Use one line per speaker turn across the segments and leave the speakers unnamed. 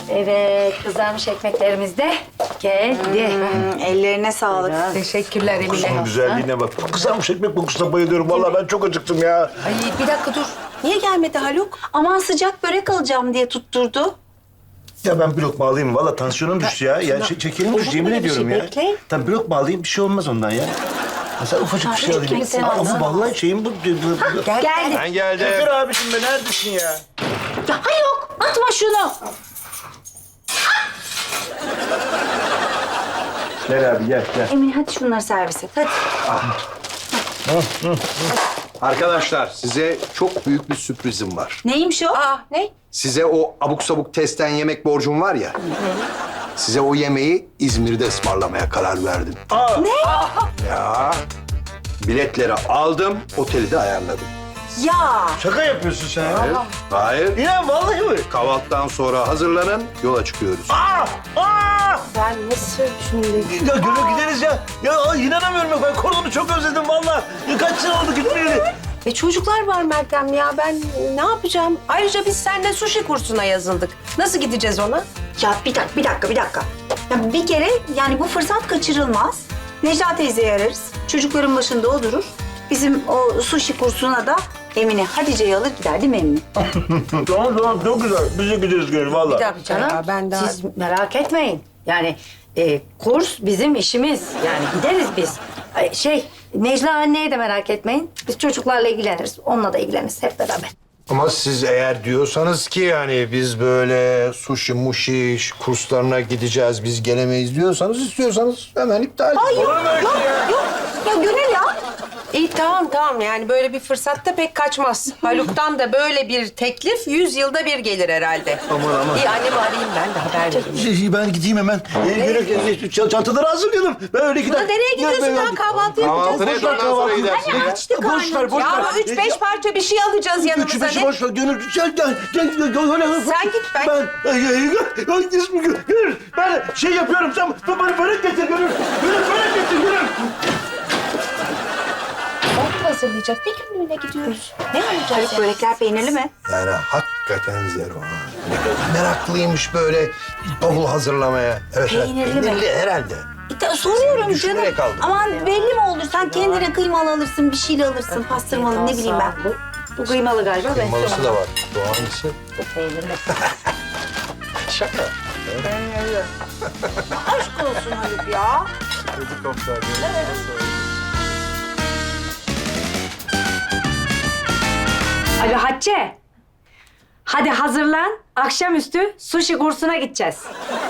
Evet, kızarmış ekmeklerimiz de geldi.
Ellerine sağlık.
Teşekkürler Emine.
Şunun güzelliğine bak. Kızarmış ekmek kokusuna bayılıyorum. Vallahi ben çok acıktım ya.
Ay bir dakika dur. Niye gelmedi Haluk?
Aman sıcak börek alacağım diye tutturdu.
Ya ben bir lokma alayım. Vallahi tansiyonum düştü ya. Ya şekerim düştü yemin ediyorum ya.
bekle.
Tamam bir lokma alayım bir şey olmaz ondan ya. Mesela ufacık bir şey
Çocuk gibi
alayım.
sen
Ama
alsana.
vallahi şeyim bu.
Geldi.
Ben geldim. Şoför abiciğim be neredesin ya?
Ya yok, atma şunu.
Gel abi gel.
Emine hadi şunları servis et hadi.
Arkadaşlar size çok büyük bir sürprizim var.
Neymiş o?
Aa ne?
Size o abuk sabuk testten yemek borcum var ya. Size o yemeği İzmir'de ısmarlamaya karar verdim.
Ne?
Ya biletleri aldım, oteli de ayarladım.
Ya
Şaka yapıyorsun sen ya.
Hayır.
Ya vallahi mi?
Kahvaltıdan sonra hazırlanın, yola çıkıyoruz.
Ben nasıl düşündüm?
Ya Gönül gideriz ya. Ya inanamıyorum ya. Ben kordonu çok özledim vallahi. Ya kaç sene oldu gitmeyeli.
Çocuklar var Meltem ya. Ben ne yapacağım? Ayrıca biz seninle sushi kursuna yazıldık. Nasıl gideceğiz ona?
ya bir dakika. Ya bir kere yani bu fırsat kaçırılmaz. Necla teyzeyi ararız. Çocukların başında o durur. Bizim o sushi kursuna da Emine Hatice'yi alır gider değil mi Emine?
Tamam çok güzel. Biz de gideriz Gönül vallahi.
Bir dakika ya, ben daha...
Siz merak etmeyin. Yani kurs bizim işimiz. Yani gideriz biz. Necla anneye de merak etmeyin. Biz çocuklarla ilgileniriz. Onunla da ilgileniriz hep beraber.
Ama siz eğer diyorsanız ki yani biz böyle sushi muşi kurslarına gideceğiz, biz gelemeyiz istiyorsanız hemen iptal edin.
Ya Gönül ya.
İyi tamam yani böyle bir fırsatta pek kaçmaz. Haluk'tan da böyle bir teklif 100 yılda bir gelir herhalde.
Aman.
İyi annemi arayayım ben de haber vereyim.
Ben gideyim hemen. Gönül çantaları hazırlayalım. Ben öyle giderim.
Nereye gidiyorsun lan? Kahvaltı yapacağız.
Kahvaltı ne zaman sonra gidersin ya?
Boş ver.
Ya bu 3-5 parça bir şey alacağız yanımıza.
Üçü beşi
Ne?
boş ver. Gönül gel.
Sen git, ben-
Gönül ben şey yapıyorum. Sen bana börek getir Gönül. Gönül börek getir Gönül.
Kahvaltı hazırlayacak. Bir günlüğüne gidiyoruz. Ne alacağız
Haluk
ya?
börekler peynirli mi?
Yani hakikaten zero. Ha. Ne kadar meraklıymış böyle bavul hazırlamaya. Evet,
Peynirli mi?
peynirli herhalde.
Soruyorum
Düşünerek
canım.
aldım.
Aman belli mi olur? Sen kendine kıymalı alırsın, bir şeyle alırsın, pastırmalı ne bileyim ben. Bu kıymalı galiba.
Kıymalısı da var. Bu hangisi? Şaka.
Aşk olsun Haluk ya.
Alo Hatice. Hadi hazırlan. Akşamüstü sushi kursuna gideceğiz.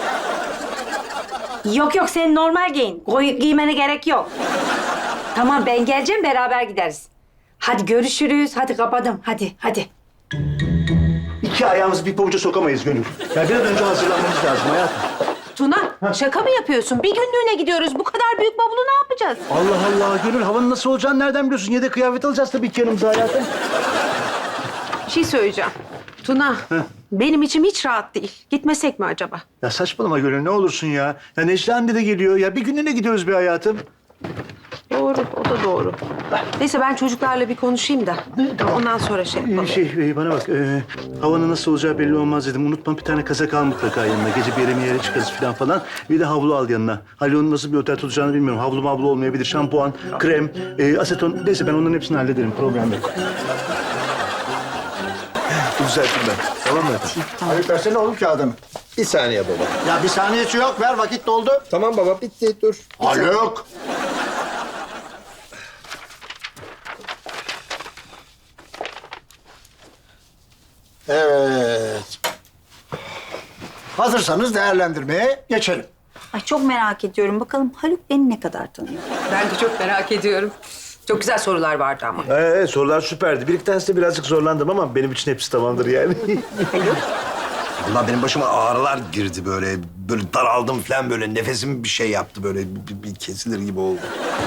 Yok sen normal giyin. Giymene gerek yok. Tamam ben geleceğim beraber gideriz. Hadi görüşürüz. Hadi kapadım. Hadi.
İki ayağımızı bir pabuca sokamayız Gönül. Ya bir an önce hazırlanmamız lazım hayatım.
Tuna şaka mı yapıyorsun? Bir günlüğüne gidiyoruz. Bu kadar büyük bavulu ne yapacağız?
Allah Allah Gönül havanın nasıl olacağını nereden biliyorsun? Yedek kıyafet alacağız tabii ki yanımıza hayatım.
Bir şey söyleyeceğim. Tuna, benim içim hiç rahat değil. Gitmesek mi acaba?
Ya saçmalama Gönül ne olursun ya. Ya Necla anne de geliyor. Ya bir günlüğüne gidiyoruz bir hayatım.
Doğru, o da doğru. Neyse ben çocuklarla bir konuşayım da. Ondan sonra şey yapalım.
Bana bak. Havanın nasıl olacağı belli olmaz dedim. Unutma bir tane kazak al mutlaka yanına. Gece bir yere çıkarız falan. Bir de havlu al yanına. Halil'in nasıl bir otel tutacağını bilmiyorum. Havlu olmayabilir. Şampuan, krem, aseton. Neyse ben onların hepsini hallederim. Problem yok. Düzelttim ben. Tamam mı efendim?
Haluk versene oğlum kağıdını.
Bir saniye baba.
Ya bir saniyesi yok. Ver vakit doldu.
Tamam baba bitti dur.
Haluk. Evet. Hazırsanız değerlendirmeye geçelim.
Ay çok merak ediyorum. Bakalım Haluk beni ne kadar tanıyor?
Ben de çok merak ediyorum. Çok güzel sorular vardı ama.
Sorular süperdi. Bir iki tanesi de birazcık zorlandım ama benim için hepsi tamamdır yani.
Allah benim başıma ağrılar girdi böyle. Böyle daraldım falan böyle. Nefesim bir şey yaptı böyle. Bir kesilir gibi oldu.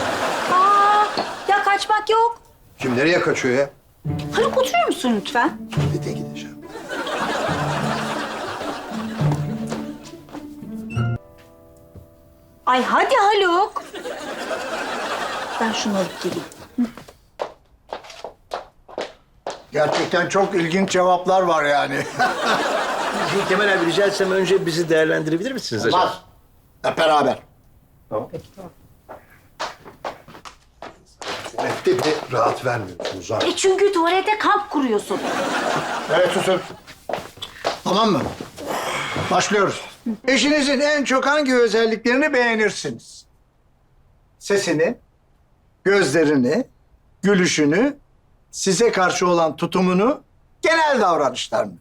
Ya kaçmak yok.
Kim nereye kaçıyor ya?
Haluk oturuyor musun lütfen?
Tuvalete gideceğim.
Ay hadi Haluk. Ben şunu alıp geleyim.
Gerçekten çok ilginç cevaplar var yani.
Kemal abi rica etsem önce bizi değerlendirebilir misiniz acaba?
Olmaz. Hep beraber.
Tuvalette bile rahat vermiyorsunuz ha.
Çünkü tuvalete kamp kuruyorsun.
Evet susun. Tamam mı? Başlıyoruz. Eşinizin en çok hangi özelliklerini beğenirsiniz? Sesini, gözlerini, gülüşünü, size karşı olan tutumunu, genel davranışlarını.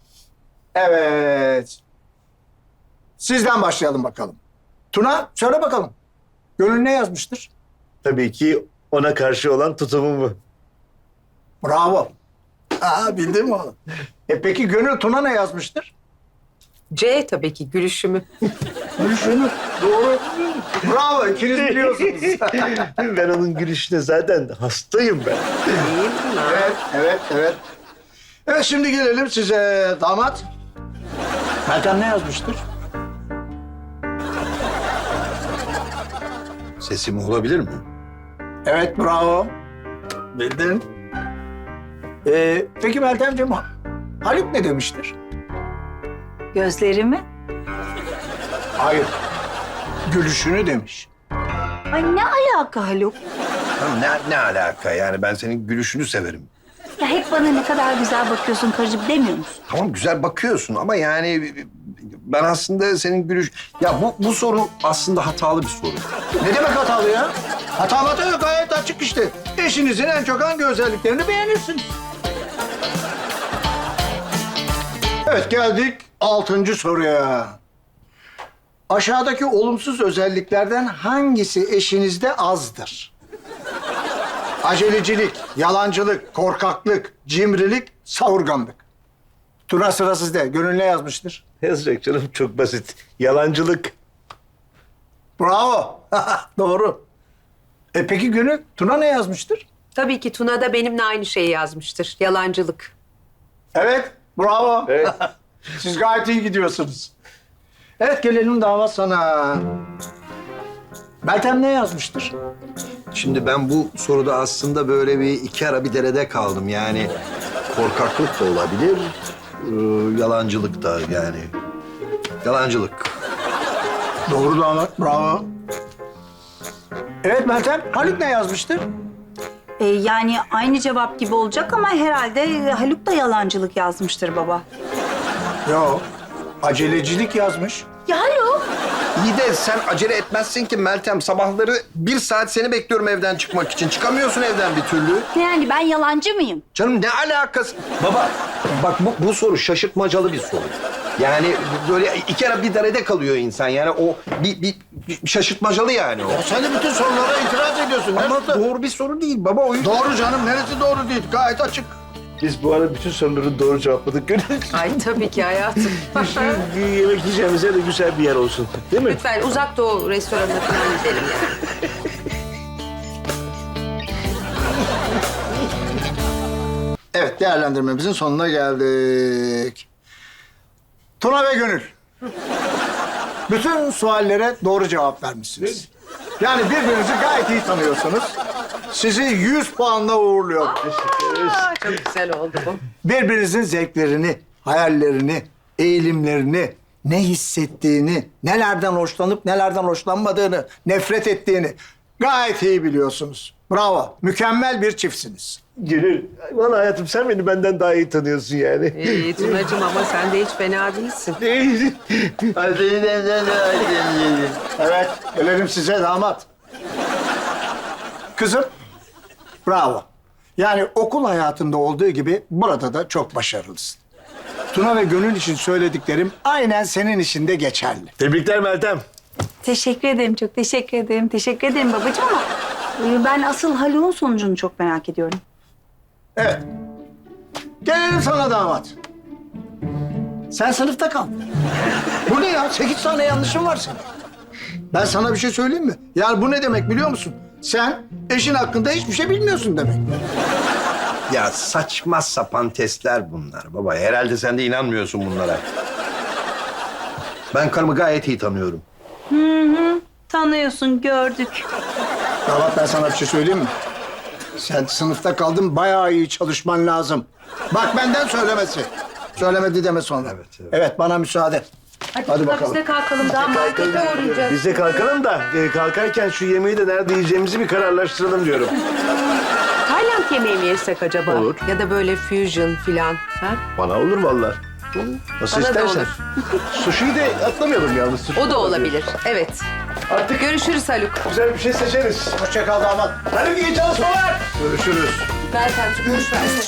Evet. Sizden başlayalım bakalım. Tuna, söyle bakalım. Gönül ne yazmıştır?
Tabii ki ona karşı olan tutumumu.
Bravo. Aa, bildin mi oğlum? Peki Gönül Tuna ne yazmıştır?
C tabii ki gülüşümü.
Gülüşünü. Doğru. Bravo, ikiniz biliyorsunuz.
Ben onun gülüşüne zaten hastayım ben.
Değil mi?
Evet. Evet, şimdi gelelim size damat. Meltem ne yazmıştır?
Sesim olabilir mi?
Evet, bravo. Bildin. Peki Meltemciğim, Haluk ne demiştir?
Gözlerimi?
Hayır. Gülüşünü demiş.
Ay ne alaka Haluk?
Tamam, ne alaka yani? Ben senin gülüşünü severim.
Ya hep bana ne kadar güzel bakıyorsun karıcığım demiyor musun?
Tamam güzel bakıyorsun ama yani ben aslında senin gülüş... Ya bu soru aslında hatalı bir soru.
Ne demek hatalı ya? Hata yok, gayet açık işte. Eşinizin en çok hangi özelliklerini beğenirsiniz? Evet, geldik 6. soruya. Aşağıdaki olumsuz özelliklerden hangisi eşinizde azdır? Acelecilik, yalancılık, korkaklık, cimrilik, savurganlık. Tuna, sıra sizde. Gönül ne yazmıştır?
Ne yazacak canım? Çok basit. Yalancılık.
Bravo. Doğru. Peki Gönül, Tuna ne yazmıştır?
Tabii ki Tuna da benimle aynı şeyi yazmıştır. Yalancılık.
Evet, bravo.
Evet.
Siz gayet iyi gidiyorsunuz. Evet, gelelim damat sana. Meltem ne yazmıştır?
Şimdi ben bu soruda aslında böyle bir iki ara bir derede kaldım. Yani korkaklık da olabilir, yalancılık da yani. Yalancılık.
Doğru damat, bravo. Evet Meltem, Haluk ne yazmıştır?
Yani aynı cevap gibi olacak ama herhalde Haluk da yalancılık yazmıştır baba.
Yok, acelecilik yazmış.
Ya Haluk?
İyi de sen acele etmezsin ki Meltem. Sabahları 1 saat seni bekliyorum evden çıkmak için. Çıkamıyorsun evden bir türlü.
Ne yani ben yalancı mıyım?
Canım ne alakası? Baba bak bu soru şaşırtmacalı bir soru. Yani böyle iki ara bir derede kalıyor insan. Yani o bir şaşırtmacalı yani o.
Ya sen de bütün sorulara itiraz ediyorsun.
Ama
Neresi-
doğru bir soru değil baba. O yüzden...
Doğru canım, neresi doğru değil? Gayet açık.
Biz bu arada bütün soruları doğru cevapladık. Gönül.
Ay tabii ki hayatım.
Bir yemek yiyeceğimiz yer de güzel bir yer olsun. Değil mi?
Lütfen uzak doğu restoranına falan gidelim yani.
Evet, değerlendirmemizin sonuna geldik. Tuna ve Gönül. Bütün suallere doğru cevap vermişsiniz. Yani birbirinizi gayet iyi tanıyorsunuz. Sizi 100 puanla uğurluyorum.
Aa, çok güzel oldu bu.
Birbirinizin zevklerini, hayallerini, eğilimlerini, ne hissettiğini, nelerden hoşlanıp nelerden hoşlanmadığını, nefret ettiğini gayet iyi biliyorsunuz. Bravo, mükemmel bir çiftsiniz.
Gönül, vallahi hayatım sen beni benden daha iyi tanıyorsun yani.
İyi Tunacığım ama sen de hiç fena değilsin.
Evet, gelelim size damat. Kızım, bravo. Yani okul hayatında olduğu gibi burada da çok başarılısın. Tuna ve Gönül için söylediklerim aynen senin için de geçerli.
Tebrikler Meltem.
Teşekkür ederim, çok teşekkür ederim. Teşekkür ederim babacığım ama ben asıl Haluk'un sonucunu çok merak ediyorum.
Evet. Gelelim sana damat. Sen sınıfta kal. Bu ne ya? 8 tane yanlışın var senin. Ben sana bir şey söyleyeyim mi? Yani bu ne demek biliyor musun? Sen eşin hakkında hiçbir şey bilmiyorsun demek.
Ya saçma sapan testler bunlar baba. Herhalde sen de inanmıyorsun bunlara. Ben karımı gayet iyi tanıyorum.
Tanıyorsun, gördük.
Damat, ben sana bir şey söyleyeyim mi? Sen sınıfta kaldın, bayağı iyi çalışman lazım. Bak benden söylemesi. Söylemedi deme sonra. Evet, bana müsaade. Hadi bakalım.
Biz de kalkalım. Daha markete uğrayacağız.
Biz de kalkalım da kalkarken şu yemeği de nerede yiyeceğimizi bir kararlaştıralım diyorum.
Tayland yemeği mi yesek acaba?
Olur.
Ya da böyle fusion filan. Ha?
Bana olur vallahi. Nasıl
Bana da
istersen.
olur.
Sushi'yi de atlamayalım yalnız. Sushi
O da olabilir. Evet.
Artık
Görüşürüz Haluk.
güzel bir şey seçeriz.
Hoşça kal damat.
Hadi iyi çalışmalar.
Görüşürüz.
Meltemciğim görüşürüz.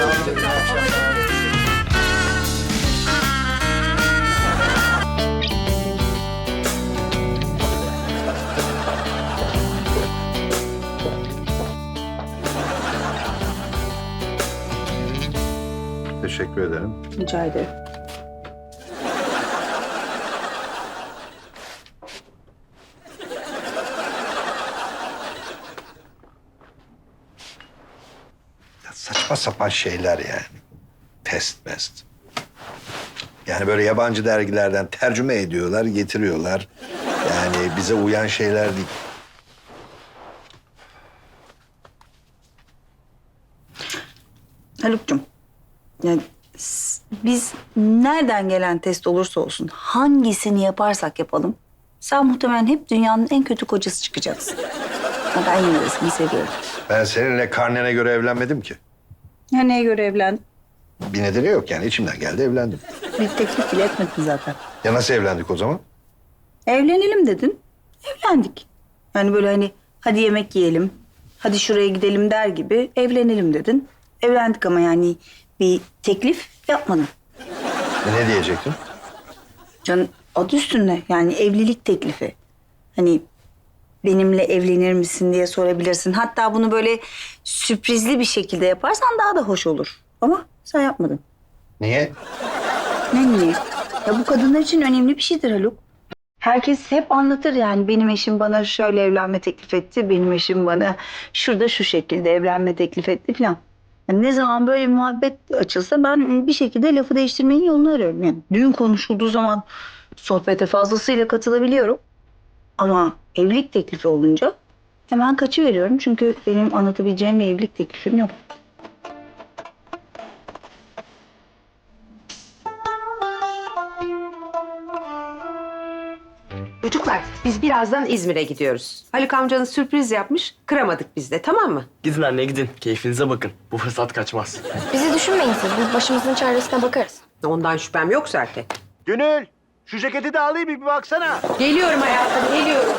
Teşekkür ederim.
Rica ederim.
Ya saçma sapan şeyler yani. Test mest. Yani böyle yabancı dergilerden tercüme ediyorlar, getiriyorlar. Yani bize uyan şeyler değil.
Haluk'cum, yani biz nereden gelen test olursa olsun, hangisini yaparsak yapalım, sen muhtemelen hep dünyanın en kötü kocası çıkacaksın. Ama ben yine de seni seviyorum.
Ben seninle karnene göre evlenmedim ki.
Ya neye göre evlendin?
Bir nedeni yok yani. İçimden geldi evlendim.
Bir teklif bile etmedin zaten.
Ya nasıl evlendik o zaman?
Evlenelim dedin, evlendik. Yani böyle hani hadi yemek yiyelim, hadi şuraya gidelim der gibi evlenelim dedin. Evlendik ama yani bir teklif yapmadın.
Ne diyecektin?
Can adı üstünde yani evlilik teklifi. Hani benimle evlenir misin diye sorabilirsin. Hatta bunu böyle sürprizli bir şekilde yaparsan daha da hoş olur. Ama sen yapmadın.
Niye?
Ne niye? Ya bu kadınlar için önemli bir şeydir Haluk. Herkes hep anlatır yani benim eşim bana şöyle evlenme teklif etti. Benim eşim bana şurada şu şekilde evlenme teklif etti falan. Yani ne zaman böyle bir muhabbet açılsa ben bir şekilde lafı değiştirmenin yolunu arıyorum. Yani düğün konuşulduğu zaman sohbete fazlasıyla katılabiliyorum. Ama evlilik teklifi olunca hemen kaçıveriyorum. Çünkü benim anlatabileceğim bir evlilik teklifim yok.
Çocuklar biz birazdan İzmir'e gidiyoruz. Haluk amcanız sürpriz yapmış. Kıramadık biz de, tamam mı?
Gidin anne gidin. Keyfinize bakın. Bu fırsat kaçmaz.
Bizi düşünmeyin siz. Biz başımızın çaresine bakarız.
Ondan şüphem yok zaten.
Gönül, şu ceketi de alayım bir baksana.
Geliyorum hayatım, geliyorum.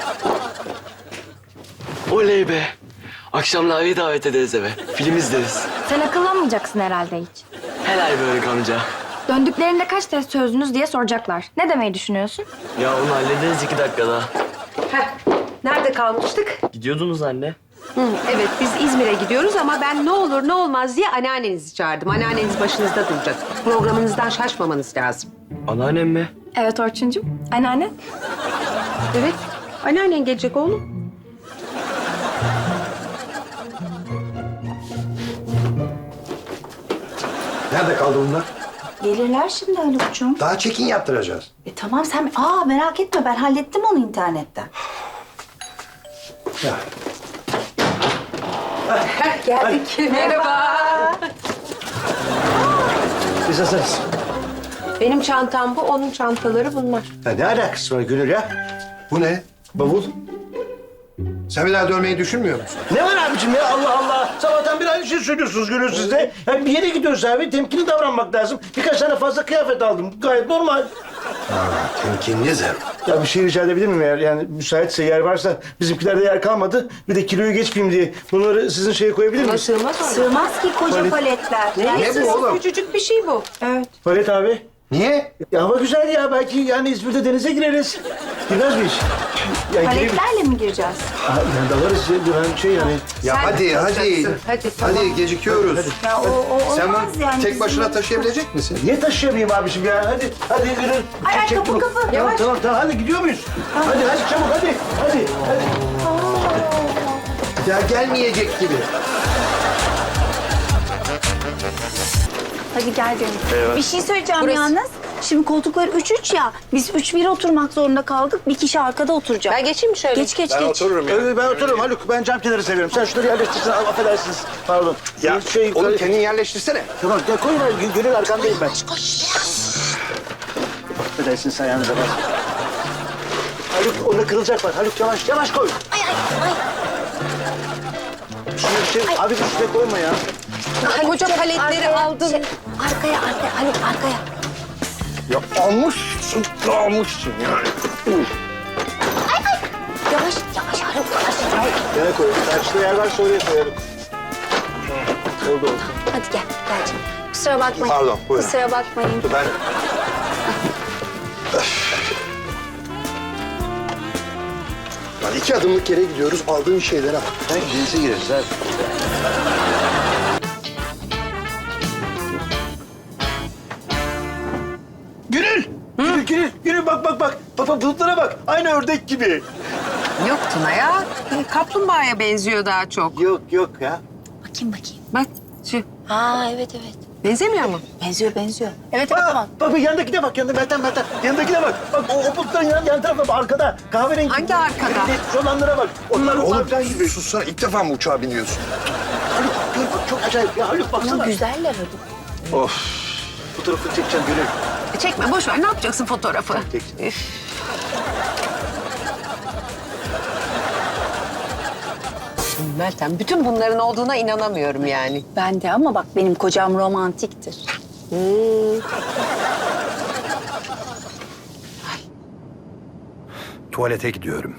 Oley be. Akşam Lavi'yi davet ederiz eve. Film izleriz.
Sen akıllanmayacaksın herhalde hiç.
Helal böyle amca.
Döndüklerinde kaç test çözdünüz diye soracaklar. Ne demeyi düşünüyorsun?
Ya onu hallederiz 2 dakikada.
Heh, nerede kalmıştık?
Gidiyordunuz anne.
Evet, biz İzmir'e gidiyoruz ama ben ne olur ne olmaz diye anneannenizi çağırdım. Anneanneniz başınızda duracak. Programınızdan şaşmamanız lazım.
Anneannem mi?
Evet Orçuncuğum. Anneanne.
Evet, anneannen gelecek oğlum.
Nerede kaldı bunlar?
Gelirler şimdi Haluk'cum.
Daha çekin yaptıracağız.
Tamam sen... merak etme ben hallettim onu internetten.
Ya.
Geldik. Merhaba.
Biz hazırız.
Benim çantam bu, onun çantaları bunlar.
Ya ne alakası var Gönül ya?
Bu ne?
Bavul.
Sen bir daha dönmeyi düşünmüyor musun?
Ne var abicim ya Allah Allah. Sabahtan bir aynı şey söylüyorsunuz Gönül siz de. Yani bir yere gidiyoruz abi temkinli davranmak lazım. Birkaç tane fazla kıyafet aldım. Gayet normal.
Temkinli Zerro.
Ya bir şey rica edebilir miyim eğer yani müsaitse yer varsa bizimkilerde yer kalmadı. Bir de kiloyu geçmeyeyim diye bunları sizin şeye koyabilir
Buna
miyiz?
sığmaz mı?
Sığmaz ki koca paletler.
Ne bu oğlum?
Küçücük bir şey bu.
Evet.
Palet abi.
Niye?
Ya hava güzel ya belki yani İzmir'de denize gireriz. Girmez miyiz? Ya girelim.
Paletlerle mi gireceğiz?
Yani dalarız ya ben şey yani.
Ya
Sen
hadi
yapacaksın. Hadi, tamam.
Hadi gecikiyoruz.
Ya o
Sen
olmaz
bunu
yani.
tek başına taşıyabilecek misin?
Niye taşıyamayayım abiciğim ya? Hadi Gönül.
Ay,
Çek
kapı,
bunu.
kapı.
Tamam
Yavaş.
tamam hadi gidiyor muyuz? Hadi çabuk hadi.
Ya gelmeyecek gibi.
Hadi gel benim. Bir şey söyleyeceğim yalnız. Şimdi koltuklar 3-3 ya. Biz 3-1 oturmak zorunda kaldık. Bir kişi arkada oturacak.
Ben geçeyim mi şöyle?
Geç.
Ben otururum ya.
Ben otururum Haluk. Ben cam kenarı seviyorum. Sen şunları yerleştirsin. Affedersiniz. Pardon.
Ya oğlum kendin yerleştirsene.
Tamam. Ya koyun. Gönül arkandayım ben. Koş. Affedersiniz ayağınıza bas. Haluk onda kırılacak var. Haluk yavaş koy.
Ay.
Şunu abi üstüne koyma ya.
Koca paletleri aldın.
Arkaya Haluk arkaya.
Ya almışsın yani.
Yavaş Haluk yavaş.
Yere koyalım. Karşıda yer varsa oraya koyalım. Oldu.
Hadi gel canım. Kusura bakmayın.
Pardon, buyurun.
Kusura bakmayın.
Ben... Lan 2 adımlık yere gidiyoruz, aldığın şeylere bak.
Ben denize gireriz abi. Gönül bak. Bak bulutlara bak. Aynı ördek gibi.
Yok Tuna ya. Kaplumbağaya benziyor daha çok.
Yok ya.
Bakayım.
Bak şu.
Aa evet.
Benzemiyor mu?
Benziyor. Evet tamam.
Bak yanındakine bak. Meltem. Yanındakine bak. Bak o bulutların yan tarafı arkada. Kahverengi.
Hangi arkada?
Şu olanlara bak. Onlar
Oğlum
falan gibi.
sussana, ilk defa mı uçağa biniyorsun?
Haluk gör bak çok acayip ya. Haluk baksana.
Ama güzeller Haluk.
Of.
Fotoğrafını çekeceğim Gönül.
Çekme boş ver. Ne yapacaksın fotoğrafı?
Çekeceğim.
Üf. Meltem, bütün bunların olduğuna inanamıyorum yani.
Ben de ama bak benim kocam romantiktir.
Tuvalete gidiyorum.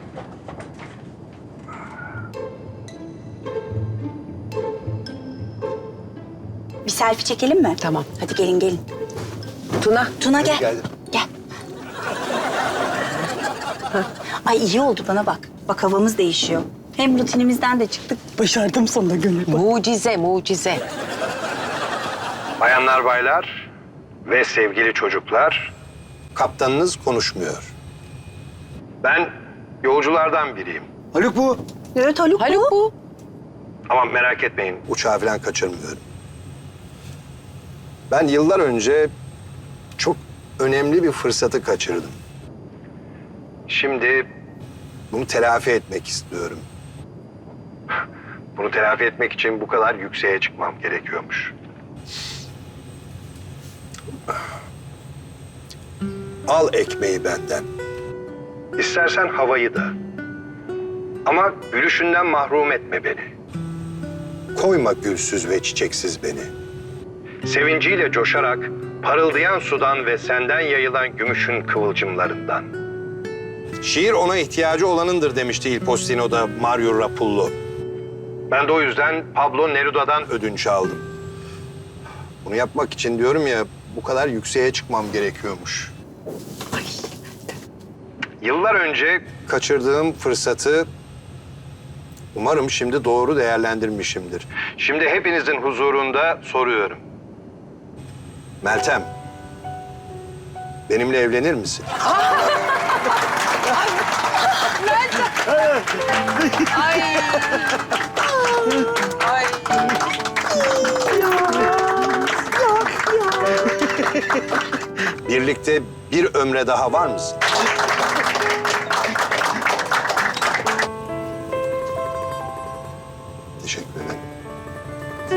Bir selfie çekelim mi?
Tamam.
Hadi gelin.
Tuna.
Gel.
Geldim.
Gel. Ay iyi oldu bana bak. Bak havamız değişiyor. Hem rutinimizden de çıktık. Başardım sonunda Gönül.
Mucize.
Bayanlar, baylar ve sevgili çocuklar, kaptanınız konuşmuyor. Ben yolculardan biriyim.
Haluk bu.
Evet Haluk bu.
Ama merak etmeyin, uçağı falan kaçırmıyorum. Ben yıllar önce çok önemli bir fırsatı kaçırdım. Şimdi bunu telafi etmek istiyorum. Bunu telafi etmek için bu kadar yükseğe çıkmam gerekiyormuş. Al ekmeği benden. İstersen havayı da. Ama gülüşünden mahrum etme beni. Koyma gülsüz ve çiçeksiz beni. Sevinciyle coşarak parıldayan sudan ve senden yayılan gümüşün kıvılcımlarından. Şiir ona ihtiyacı olanındır demişti Il Postino'da Mario Rapullo. Ben de o yüzden Pablo Neruda'dan ödünç aldım. Bunu yapmak için diyorum ya, bu kadar yükseğe çıkmam gerekiyormuş. Yıllar önce kaçırdığım fırsatı umarım şimdi doğru değerlendirmişimdir. Şimdi hepinizin huzurunda soruyorum. Meltem, benimle evlenir misin? Birlikte bir ömre daha var mısın? Teşekkür ederim.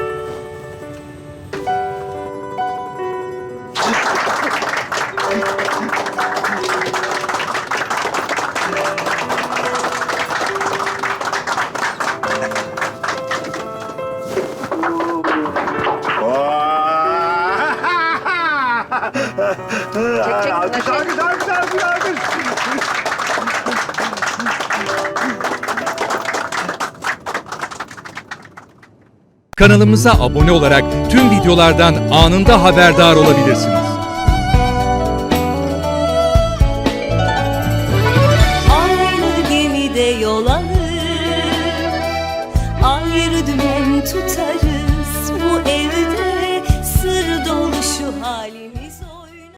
Alkış.
Kanalımıza abone olarak tüm videolardan anında haberdar olabilirsiniz.
Aynı gemide yol alır, ayrı dümen tutarız.